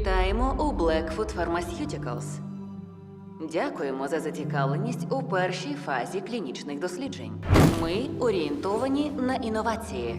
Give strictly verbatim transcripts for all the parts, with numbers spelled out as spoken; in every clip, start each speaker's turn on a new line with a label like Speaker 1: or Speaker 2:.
Speaker 1: Вітаємо у Blackfoot Pharmaceuticals. Дякуємо за зацікавленість у першій фазі клінічних досліджень. Ми орієнтовані на інновації.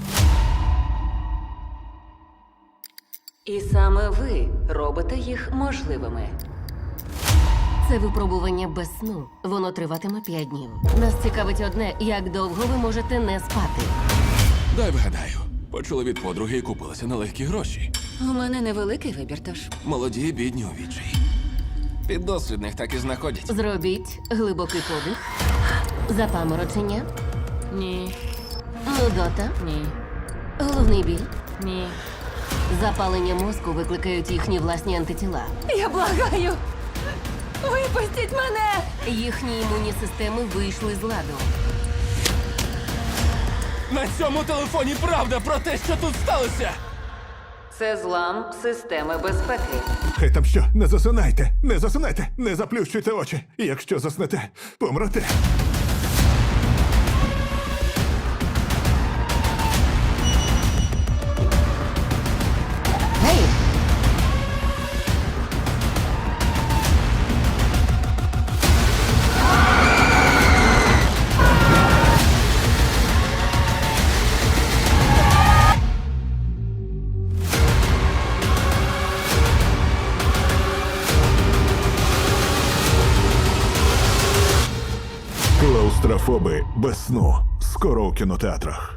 Speaker 1: І саме ви робите їх можливими.
Speaker 2: Це випробування без сну. Воно триватиме п'ять днів. Нас цікавить одне, як довго ви можете не спати.
Speaker 3: Дай вгадаю. Почули від подруги і купилися на легкі гроші.
Speaker 1: У мене невеликий вибір, тож.
Speaker 3: Молоді, бідні у відчаї. Піддослідних так і знаходять.
Speaker 2: Зробіть глибокий подих. Запаморочення.
Speaker 1: Ні,
Speaker 2: Нудота.
Speaker 1: ні,
Speaker 2: Головний біль.
Speaker 1: ні.
Speaker 2: Запалення мозку викликають їхні власні антитіла.
Speaker 1: Я благаю! Випустіть мене!
Speaker 2: Їхні імунні системи вийшли з ладу.
Speaker 3: На цьому телефоні правда про те, що тут сталося!
Speaker 1: Це злам системи безпеки.
Speaker 4: Хай там що, не засинайте, не засинайте, не заплющуйте очі. Якщо заснете, помрете.
Speaker 2: Гей!
Speaker 4: Клаустрофоби без сну. Скоро у кінотеатрах.